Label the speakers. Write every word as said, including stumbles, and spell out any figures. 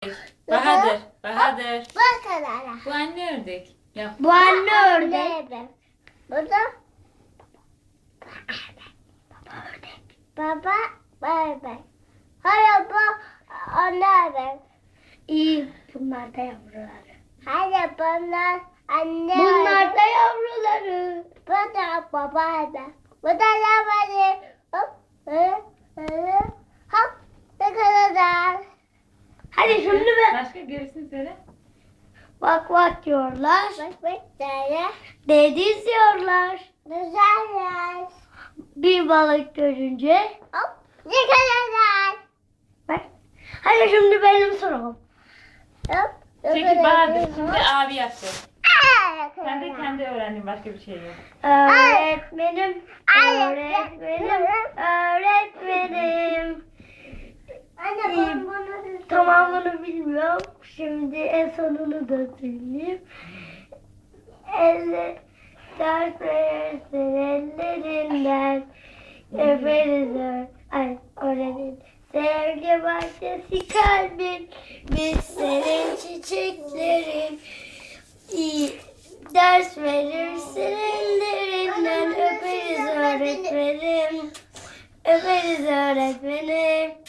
Speaker 1: Bahadır. Bahadır.
Speaker 2: Bak kadar.
Speaker 1: Bu anne ördek. Yap.
Speaker 3: Bu anne ördek.
Speaker 2: Bu da baba ördek. Hayır bu anne ördek.
Speaker 3: İyi. Bunlar da yavruları.
Speaker 2: Hayır bunlar anne
Speaker 3: Bunlar
Speaker 2: ördek.
Speaker 3: da yavruları.
Speaker 2: Bu da baba ördek. Bu da yavru. Hop. Hı, hı, hop. Ne kadar.
Speaker 3: Hadi şimdi be.
Speaker 1: Başka gerisini söyle.
Speaker 3: Vak vak diyorlar.
Speaker 2: Bak bak böyle.
Speaker 3: Deniz diyorlar.
Speaker 2: Güzeller.
Speaker 3: Bir balık görünce.
Speaker 2: Hop. Ne kadar.
Speaker 3: Bak. Hadi şimdi benim sorum.
Speaker 2: Hop.
Speaker 1: Çekil Bahadır. Şimdi abi yapacak. Sen de kendi öğrendin, başka bir şey yok.
Speaker 3: Öğretmenim,
Speaker 2: Ay.
Speaker 3: öğretmenim, öğretmenim.
Speaker 2: Anne
Speaker 3: İyi.
Speaker 2: ben bunu
Speaker 3: Tamamını bilmiyorum. Şimdi en sonunu da söyleyeyim. Elle, ders verirsin ellerinden. Öperiz öğ- Ay, öğrenin. Sevgi bahçesi kalbin. Biz senin çiçeklerin. İyi ders verirsin ellerinden. Öperiz öğretmenim. Öperiz öğretmenim.